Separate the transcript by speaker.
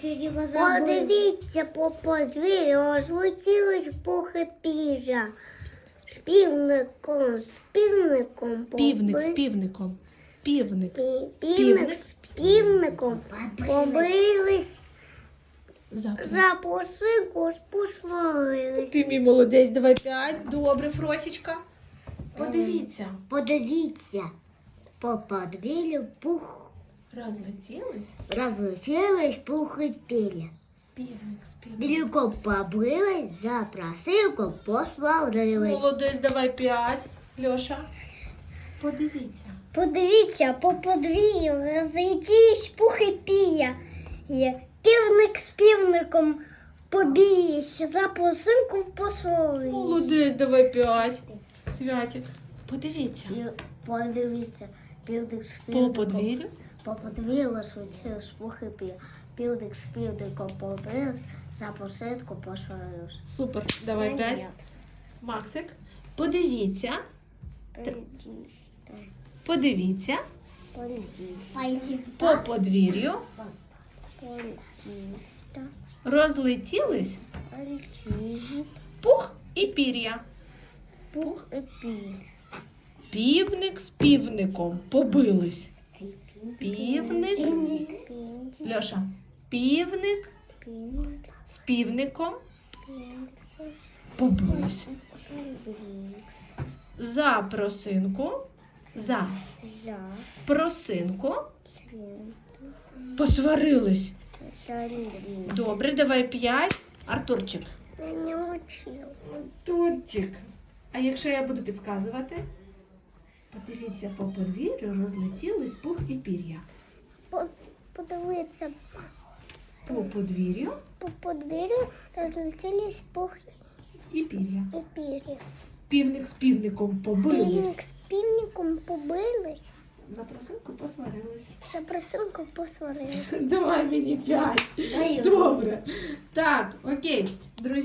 Speaker 1: Подивіться, по подвір'ю розлетілись пухи пір'я. З півником,
Speaker 2: Півник з півником. Півник.
Speaker 1: Півник з півником побились,
Speaker 2: Запах.
Speaker 1: за посилку посварились.
Speaker 2: Ти мій молодець, давай 5. Добре, Фросічка. Подивіться.
Speaker 1: Подивіться, по подвір'ю розлетілись пухи пір'я.
Speaker 2: Півник з півником.
Speaker 1: Білюком побились, за просилку посварились.
Speaker 2: Молодець, давай 5. Льоша. Подивіться.
Speaker 1: Подивіться, по подвір'ю розлетілись пухи пір'я. Півник з півником побились, за просилку посварились.
Speaker 2: Молодець, давай 5. Святик. Подивіться.
Speaker 1: Подивіться, півник з
Speaker 2: По
Speaker 1: півником.
Speaker 2: подвір'ю.
Speaker 1: По подвір'ю розлетілись пухи пір'я. Півник з півником побились, за просилку посварились.
Speaker 2: Супер, давай 5. Максик. Подивіться. Подивіться. По подвір'ю розлетілись пух і пір'я. Пух. Півник з півником побились. Півник. Льоша. Півник з півником побились. За просинку. За просинку посварились. Добре, давай 5. Артурчик.
Speaker 1: Я не учив.
Speaker 2: Артурчик. А якщо я буду підказувати? Подивіться, по подвір'ю розлетілись пух і пір'я.
Speaker 1: Подивіться,
Speaker 2: По подвір'ю
Speaker 1: по подвір'ю розлетілись пухи
Speaker 2: і пір'я.
Speaker 1: і пір'я.
Speaker 2: Півник з півником побились.
Speaker 1: Півник з півником побились,
Speaker 2: За просинку посварились.
Speaker 1: за просилку посварились.
Speaker 2: Давай мені 5. Добре. Так, окей. Друзі.